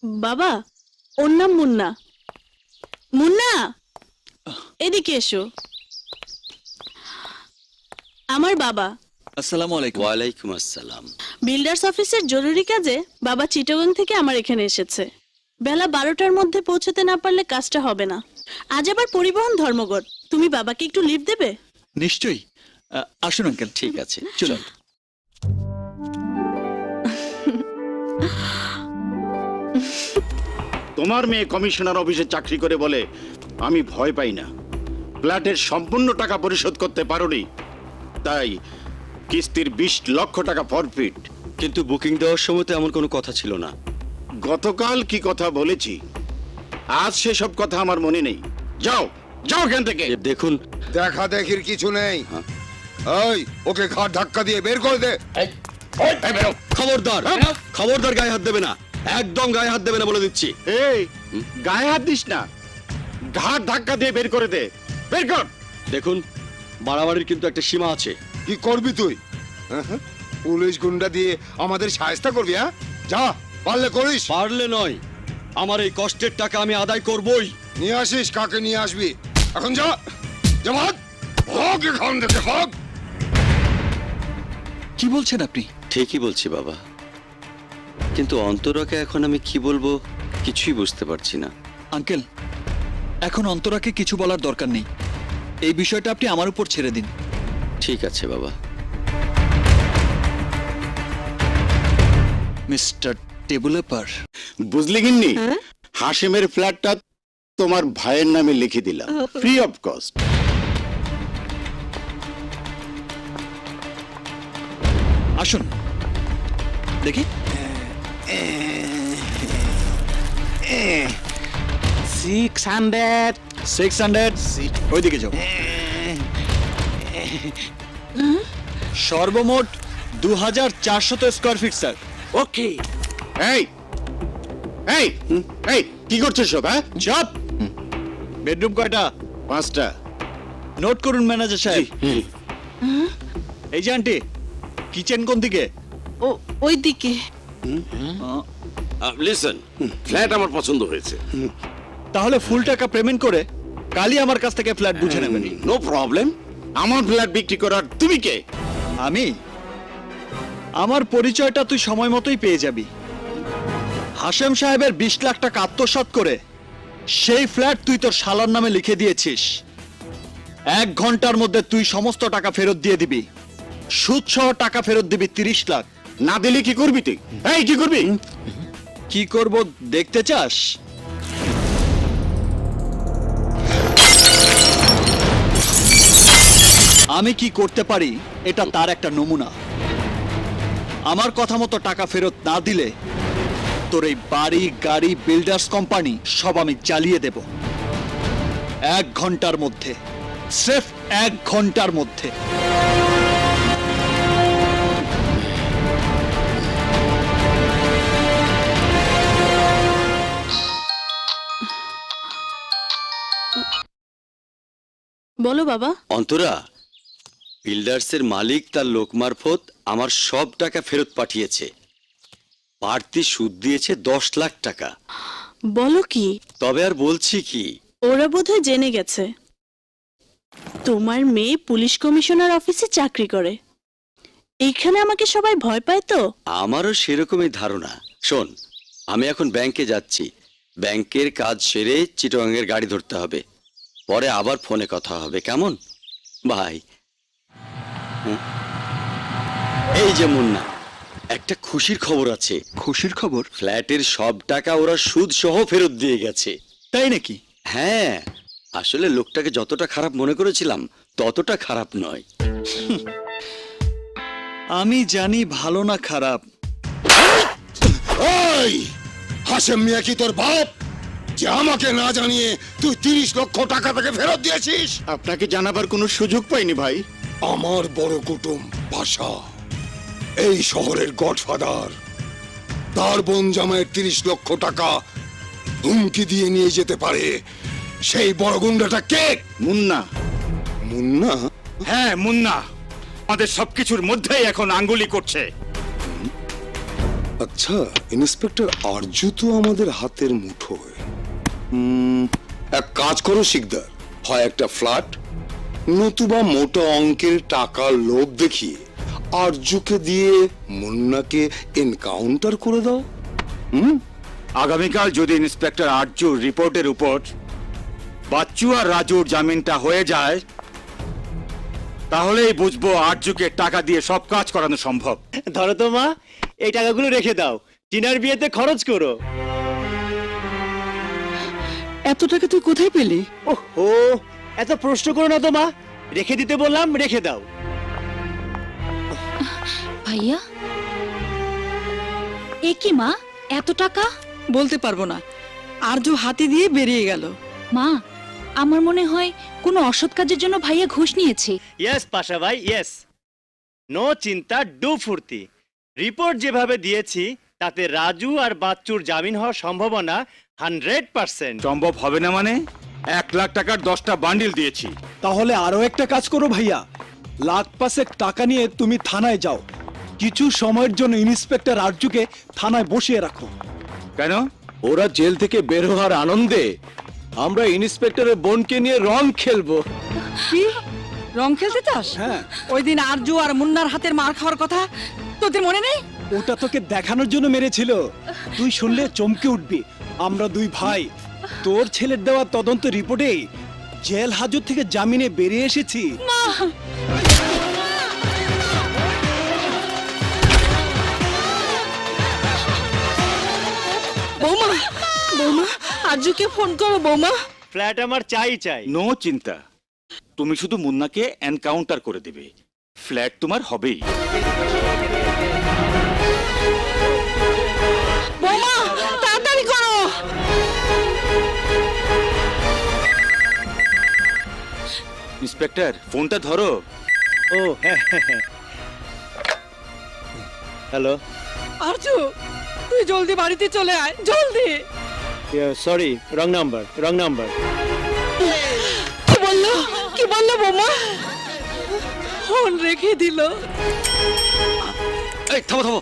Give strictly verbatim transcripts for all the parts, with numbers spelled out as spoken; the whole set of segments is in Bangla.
বাবা, ওর নাম মুন্না। মুন্না, এদিকে এসো। আমার বাবা। আসসালামু আলাইকুম। ওয়ালাইকুম আসসালাম। বিল্ডার্স অফিসের জরুরি কাজে বাবা চিটাগং থেকে আমার এখানে এসেছে। বেলা বারোটার মধ্যে পৌঁছতে না পারলে কাজটা হবে না। আজ আবার পরিবহন ধর্মঘট। তুমি বাবাকে একটু লিভ দেবে? নিশ্চয়ই। আহ, আসুন আঙ্কেল। ঠিক আছে, চলুন। তোমার মেয়ে কমিশনার অফিসে চাকরি করে বলে আমি ভয় পাই না। ফ্ল্যাটের সম্পূর্ণ টাকা পরিশোধ করতে পারোনি, তাই কিস্তির বিশ লক্ষ টাকা ফরফিট। কিন্তু বুকিং দেওয়ার সময় তো এমন কোনো কথা ছিল না। গতকাল কি কথা বলেছি, আজ সেসব কথা আমার মনে নেই। যাও যাও এখান থেকে। এ দেখুন, দেখা দেখির কিছু নেই। ওই ওকে ঘাট ধাক্কা দিয়ে বের করে দে। খবরদার খবরদার গায়ে হাত দেবে না, একদম গায়ে হাত দেবে না বলে দিচ্ছি। এই গায়ে হাত দিস না, ঘাট ধাক্কা দিয়ে বের করে দে। বের কর। দেখুন, বাড়াবাড়ির কিন্তু একটা সীমা আছে। কি করবি তুই? হ্যাঁ? পুলিশ গুন্ডা দিয়ে আমাদের সাহায্য করবি? হ্যাঁ, যা পারলে করিস। পারলে নয়, আমার এই কষ্টের টাকা আমি আদায় করবই। নিয়ে আসিস, কাকে নিয়ে আসবি? এখন যা, জামাত হোক এখান থেকে হোক। কি বলছেন আপনি? ঠিকই বলছি বাবা, কিন্তু অন্তরাকে এখন আমি কি বলবো কিছুই বুঝতে পারছি না। আঙ্কেল, এখন অন্তরাকে কিছু বলার দরকার নেই। এই বিষয়টা আপনি আমার উপর ছেড়ে দিন। ঠিক আছে বাবা। মিস্টার ডেভেলপার, বুঝলি গিন্নি, হাসিমের ফ্ল্যাটটা তোমার ভাইয়ের নামে লিখে দিলাম, ফ্রি অফ কস্ট। আসুন দেখি। সিক্স হান্ড্রেড সিক্স হান্ড্রেড ওইদিকে যাও। সর্বমোট দু হাজার চারশত স্কোয়ার ফিট স্যার। ওকে। এই এই এই কি করছিস সব? হ্যাঁ, চাপ। বেডরুম কয়টা? পাঁচটা। নোট করুন ম্যানেজার সাহেব। এই যে আন্টি, কিচেন কোন দিকে? ও ওই দিকে। লিসেন, ফ্ল্যাট আমার পছন্দ হয়েছে। তাহলে ফুল টাকা পেমেন্ট করে কালই আমার কাছ থেকে ফ্ল্যাট বুঝে নেবেন। No problem. আমার ফ্ল্যাট বিক্রি করার তুমি কে? আমি? আমার পরিচয়টা তুই সময় মতোই পেয়ে যাবি। হাশেম সাহেবের বিশ লাখ টাকা আত্মসাৎ করে সেই ফ্ল্যাট তুই তোর শালার নামে লিখে দিয়েছিস। এক ঘন্টার মধ্যে তুই সমস্ত টাকা ফেরত দিয়ে দিবি। সুদ সহ টাকা ফেরত দিবি তিরিশ লাখ। না দিলে কি করবি তুই? এই কি করবি? কি করব দেখতে চাস? আমি কি করতে পারি এটা তার একটা নমুনা। আমার কথা মতো টাকা ফেরত না দিলে তোর এই বাড়ি, গাড়ি, বিল্ডার্স কোম্পানি সব আমি জ্বালিয়ে দেব। এক ঘন্টার মধ্যে, স্রেফ এক ঘন্টার মধ্যে। বলো বাবা। অন্তরা, বিল্ডার্সের মালিক তার লোক মারফত আমার সব টাকা ফেরত পাঠিয়েছে। বাড়তি সুদ দিয়েছে দশ লাখ টাকা। বলো কি? তবে আর বলছি কি, ওরা বোধহয় জেনে গেছে তোমার মেয়ে পুলিশ কমিশনার অফিসে চাকরি করে। এইখানে আমাকে সবাই ভয় পায় তো। আমারও সেরকমই ধারণা। শোন, আমি এখন ব্যাংকে যাচ্ছি। ব্যাংকের কাজ সেরে চিটাগাংয়ের গাড়ি ধরতে হবে। পরে আবার ফোনে কথা হবে, কেমন? ভাই, এই যে মুন্না, একটা খুশির খবর আছে। খুশির খবর? ফ্ল্যাটের সব টাকা ওরা সুদ সহ ফেরত দিয়ে গেছে। তাই নাকি? হ্যাঁ, আসলে লোকটাকে যতটা খারাপ মনে করেছিলাম ততটা খারাপ নয়। আমি জানি ভালো না খারাপ। ওই হাশেম মিয়া কি তোর বাপ যে আমাকে না জানিয়ে তুই তিরিশ লক্ষ টাকা থেকে ফেরত দিয়েছিস? আপনাকে জানাবার কোনো সুযোগ পাইনি ভাই। আমার বড় কুটুম ভাষা, এই শহরের গডফাদার, তার বোন জামাইয়ের তিরিশ লক্ষ টাকা হুমকি দিয়ে নিয়ে যেতে পারে সেই বড় গুন্ডাটা কে? মুন্না। মুন্না? হ্যাঁ, মুন্না আমাদের সবকিছুর মধ্যেই এখন আঙ্গুলি করছে। আচ্ছা, ইন্সপেক্টর আরজু তো আমাদের হাতের মুঠোয়। উম, এক কাজ করো শিকদার, হয় একটা ফ্ল্যাট নতুবা মোটা অঙ্কের টাকার লোভ দেখিয়ে আরজুকে দিয়ে মুন্নাকে এনকাউন্টার করে দাও। আগামীকাল যদি ইন্সপেক্টর আরজুর রিপোর্টের উপর বাচ্চু আর রাজুর জামিনটা হয়ে যায়, তাহলেই বুঝবো আরজুকে টাকা দিয়ে সব কাজ করানো সম্ভব। ধরো তো মা, এই টাকাগুলো রেখে দাও, টিনার বিয়েতে খরচ করো। এত টাকা তুই কোথায় পেলি? ওহো, এত প্রশ্ন করো না তো মা, রেখে দিতে বললাম, রেখে দাও। ভাইয়া, এ কি মা, এত টাকা? বলতে পারবো না, আরজু হাতি দিয়ে বেরিয়ে গেল। মা, আমার মনে হয় কোনো অসৎ কাজের জন্য ভাইয়া ঘুষ নিয়েছে। ইয়েস পাশা ভাই, ইয়েস। নো চিন্তা, ডু ফুর্তি। রিপোর্ট যেভাবে দিয়েছি তাতে রাজু আর বাচ্চুর জামিন হওয়ার সম্ভাবনা হান্ড্রেড পার্সেন্ট। সম্ভব হবে না মানে? এক লাখ টাকার দশটা বান্ডিল দিয়েছি। তাহলে আরো একটা কাজ করো ভাইয়া, লাখ পাঁচেক টাকা নিয়ে তুমি থানায় যাও, কিছু সময়ের জন্য ইন্সপেক্টর আরজুকে থানায় বসিয়ে রাখো। কেন? ওরা জেল থেকে বের হওয়ার আনন্দে আমরা ইন্সপেক্টরের বোনকে নিয়ে রং খেলবো। কি রং খেলতে চাস? হ্যাঁ। ওই দিন আরজু আর মুন্নার হাতের মার খাওয়ার কথা তোদের মনে নেই? ওটা তোকে দেখানোর জন্য মেরেছিল, তুই শুনলে চমকে উঠবি। আমরা দুই ভাই তোর ছেলের দেওয়া তদন্ত রিপোর্টে জেল হাজত থেকে জামিনে বেরিয়ে এসেছি। বৌমা, বৌমা, আরজুকে ফোন করো বৌমা। ফ্ল্যাট আমার চাই চাই। নো চিন্তা, তুমি শুধু মুন্নাকে এনকাউন্টার করে দেবে, ফ্ল্যাট তোমার হবেই। বৌমা, তাড়াতাড়ি করো। ইন্সপেক্টর, ফোনটা ধরো। ও হ্যাঁ, হ্যালো, আরজু, তুই জলদি বাড়িতে চলে আয়, জলদি। Sorry, wrong number, wrong number. কি বললো, কি বললো বৌমা? ফোন রেখে দিল। এই থামো থামো,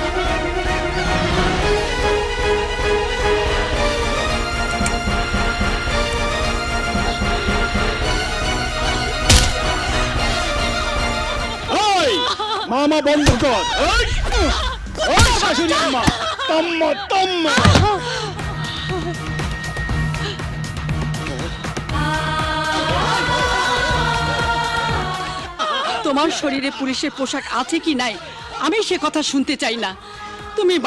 ওই মামা বন্ধ কর। ওই, ওই শাশুড়ি আম্মা, তম্মা তম্মা। তোমার শরীরে পুলিশের পোশাক আছে কি নাই আমি সে কথা শুনতে চাই না। তুমি